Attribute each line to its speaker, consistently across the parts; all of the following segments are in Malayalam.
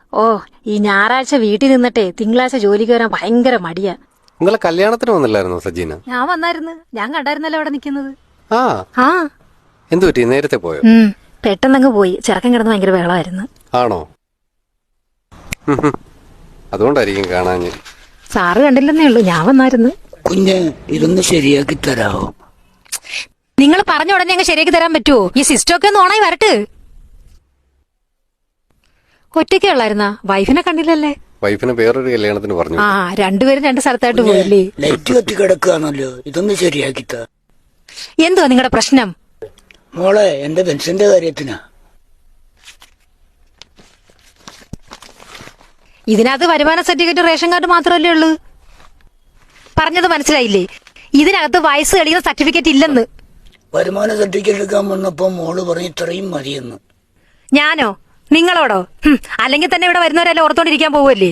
Speaker 1: ഓ, ഈ ഞായറാഴ്ച വീട്ടിൽ നിന്നിട്ടേ തിങ്കളാഴ്ച ജോലിക്ക് വരാൻ ഭയങ്കര മടിയാ.
Speaker 2: നിങ്ങളെ കല്യാണത്തിന് വന്നില്ലായിരുന്നോ സജീന?
Speaker 1: ഞാൻ വന്നായിരുന്നു. ഞാൻ കണ്ടായിരുന്നല്ലോ അവിടെ നിക്കുന്നത്.
Speaker 2: ആ എന്തു പറ്റി, നേരത്തെ പോയോ?
Speaker 1: പെട്ടെന്നങ്ങ് പോയി. ചെറുക്കൻ കിടന്ന് ഭയങ്കര ബഹളമായിരുന്നു.
Speaker 2: ആണോ? അതുകൊണ്ടായിരിക്കും കാണാഞ്ഞ്.
Speaker 1: സാറ് കണ്ടില്ലെന്നേ ഉള്ളൂ, ഞാൻ വന്നായിരുന്നു.
Speaker 3: കുഞ്ഞ് ഇതൊന്ന് ശരിയാക്കി തരാമോ?
Speaker 1: നിങ്ങൾ പറഞ്ഞ ഉടനെ അങ്ങ് ശരിയാക്കി തരാൻ പറ്റുമോ? ഈ സിസ്റ്റമൊക്കെ ഒന്ന് ഓണായി വരട്ടെ. ഒറ്റയ്ക്കേ ഉള്ളായിരുന്നാ? വൈഫിനെ കണ്ടില്ലല്ലേ?
Speaker 2: വൈഫിനെ വേറൊരു കല്യാണത്തിന് പറഞ്ഞു.
Speaker 1: രണ്ടുപേരും രണ്ട് സ്ഥലത്തായിട്ട് പോയില്ലേ?
Speaker 3: ലൈറ്റ് കത്തി കിടക്കുകയാണല്ലോ, ഇതൊന്ന് ശരിയാക്കി താ.
Speaker 1: എന്തുവാ നിങ്ങളുടെ പ്രശ്നം?
Speaker 3: മോളെ, എന്റെ പെൻഷന്റെ കാര്യത്തിനാ.
Speaker 1: ഇതിനകത്ത് വരുമാന സർട്ടിഫിക്കറ്റ്, റേഷൻ കാർഡ് മാത്രമല്ലേ ഉള്ളൂ. പറഞ്ഞത് മനസ്സിലായില്ലേ? ഇതിനകത്ത് വയസ്സ് തെളിയുന്ന സർട്ടിഫിക്കറ്റ് ഇല്ലെന്ന്.
Speaker 3: വരുമാന സർട്ടിഫിക്കറ്റ് എടുക്കാൻ വന്നപ്പോ മോള് പറഞ്ഞു ഇത്രയും മതിയെന്ന്.
Speaker 1: ഞാനോ? നിങ്ങളോടോ? അല്ലെങ്കിൽ തന്നെ ഇവിടെ വരുന്നവരെല്ലാം ഓർത്തോണ്ടിരിക്കാൻ പോവല്ലേ?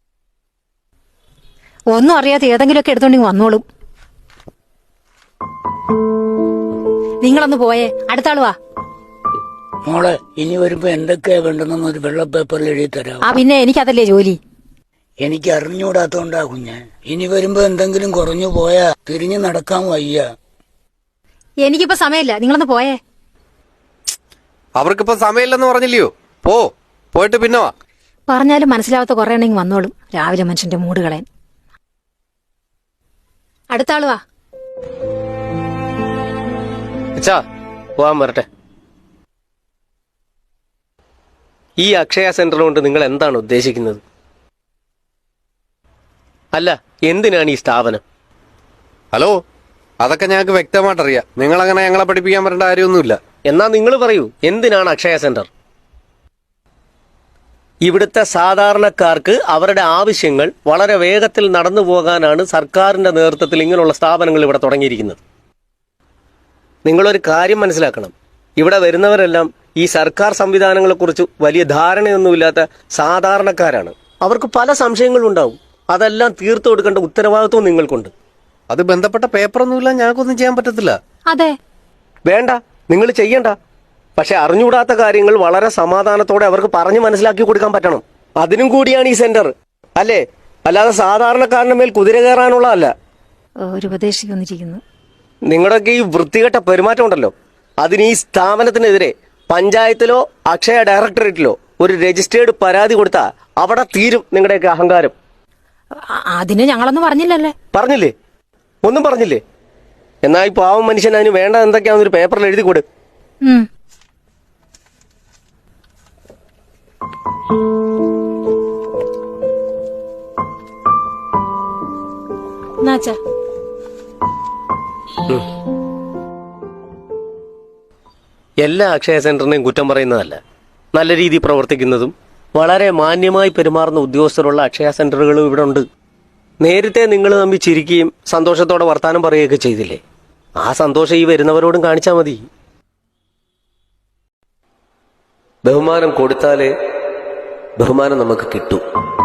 Speaker 1: ഒന്നും അറിയാതെ ഏതെങ്കിലുമൊക്കെ എടുത്തോണ്ടെങ്കിൽ വന്നോളും. നിങ്ങളൊന്ന് പോയേ, അടുത്ത ആള് വാ.
Speaker 3: മോളെ, ഇനി വരുമ്പോ എന്തൊക്കെയാ വേണ്ടെന്ന് ഒരു വെള്ള പേപ്പറിൽ എഴുതി തരാം.
Speaker 1: പിന്നെ എനിക്കതല്ലേ ജോലി.
Speaker 3: എനിക്ക് അറിഞ്ഞുകൂടാത്തോണ്ടാ കുഞ്ഞ്. ഇനി വരുമ്പോ എന്തെങ്കിലും കുറഞ്ഞു പോയാ തിരിഞ്ഞു നടക്കാൻ വയ്യ.
Speaker 1: എനിക്കിപ്പോ സമയമില്ല, നിങ്ങളൊന്ന് പോയേ.
Speaker 2: അവർക്കിപ്പോ സമയമില്ലെന്ന് പറഞ്ഞില്ലയോ? പോയിട്ട് പിന്നെ വാ.
Speaker 1: പറഞ്ഞാലും മനസ്സിലാവാത്ത കുറെ ഉണ്ടെങ്കിൽ വന്നോളും. രാവിലെ മനുഷ്യന്റെ മൂട് കളയാൻ. അടുത്ത ആള് വാ.
Speaker 4: പോവാൻ വരട്ടെ. ഈ അക്ഷയ സെന്റർ കൊണ്ട് നിങ്ങൾ എന്താണ് ഉദ്ദേശിക്കുന്നത്? അല്ല, എന്തിനാണ് ഈ സ്ഥാപനം?
Speaker 2: ഹലോ, അതൊക്കെ ഞങ്ങൾക്ക് വ്യക്തമായിട്ടറിയാം. നിങ്ങളങ്ങനെ ഞങ്ങളെ പഠിപ്പിക്കാൻ വരേണ്ട കാര്യമൊന്നുമില്ല.
Speaker 4: എന്നാ നിങ്ങൾ പറയൂ, എന്തിനാണ് അക്ഷയ സെന്റർ? ഇവിടുത്തെ സാധാരണക്കാർക്ക് അവരുടെ ആവശ്യങ്ങൾ വളരെ വേഗത്തിൽ നടന്നു പോകാനാണ് സർക്കാരിന്റെ നേതൃത്വത്തിൽ ഇങ്ങനെയുള്ള സ്ഥാപനങ്ങൾ ഇവിടെ തുടങ്ങിയിരിക്കുന്നത്. നിങ്ങളൊരു കാര്യം മനസ്സിലാക്കണം, ഇവിടെ വരുന്നവരെല്ലാം ഈ സർക്കാർ സംവിധാനങ്ങളെക്കുറിച്ച് വലിയ ധാരണയൊന്നുമില്ലാത്ത സാധാരണക്കാരാണ്. അവർക്ക് പല സംശയങ്ങളും ഉണ്ടാവും. അതെല്ലാം തീർത്തു കൊടുക്കേണ്ട ഉത്തരവാദിത്വം നിങ്ങൾക്കുണ്ട്.
Speaker 2: അത് ബന്ധപ്പെട്ട പേപ്പറൊന്നുമില്ല, ഞങ്ങൾക്കൊന്നും ചെയ്യാൻ പറ്റത്തില്ല.
Speaker 1: അതെ,
Speaker 4: വേണ്ട, നിങ്ങൾ ചെയ്യണ്ട. പക്ഷെ അറിഞ്ഞുകൂടാത്ത കാര്യങ്ങൾ വളരെ സമാധാനത്തോടെ അവർക്ക് പറഞ്ഞു മനസ്സിലാക്കി കൊടുക്കാൻ പറ്റണം. അതിനും കൂടിയാണ് ഈ സെന്റർ, അല്ലേ? അല്ലാതെ സാധാരണക്കാരന്റെ മേൽ കുതിര കയറാനുള്ളതല്ല.
Speaker 1: ഒരു ഉപദേശിക്ക് വന്നിരിക്കുന്നു.
Speaker 4: നിങ്ങളുടെയൊക്കെ ഈ വൃത്തികെട്ട പെരുമാറ്റം ഉണ്ടല്ലോ, അതിന് ഈ സ്ഥാപനത്തിനെതിരെ പഞ്ചായത്തിലോ അക്ഷയ ഡയറക്ടറേറ്റിലോ ഒരു രജിസ്റ്റേർഡ് പരാതി കൊടുത്താൽ അവിടെ തീരും നിങ്ങളുടെയൊക്കെ അഹങ്കാരം.
Speaker 1: അതിന് ഞങ്ങളൊന്നും പറഞ്ഞില്ലല്ലേ?
Speaker 4: പറഞ്ഞില്ലേ? ഒന്നും പറഞ്ഞില്ലേ? എന്നാ ഈ പാവം മനുഷ്യൻ അതിന് വേണ്ട എന്തൊക്കെയാണെന്നൊരു പേപ്പറിൽ എഴുതി കൊടു. എല്ലാ അക്ഷയ സെന്ററിനെയും കുറ്റം പറയുന്നതല്ല. നല്ല രീതിയിൽ പ്രവർത്തിക്കുന്നതും വളരെ മാന്യമായി പെരുമാറുന്ന ഉദ്യോഗസ്ഥരുള്ള അക്ഷയ സെന്ററുകളും ഇവിടെ ഉണ്ട്. നേരത്തെ നിങ്ങൾ തമ്മിൽ ചിരിക്കുകയും സന്തോഷത്തോടെ വർത്താനം പറയുകയൊക്കെ ചെയ്തില്ലേ? ആ സന്തോഷം ഈ വരുന്നവരോടും കാണിച്ചാൽ മതി. ബഹുമാനം കൊടുത്താലേ ബഹുമാനം നമുക്ക് കിട്ടും.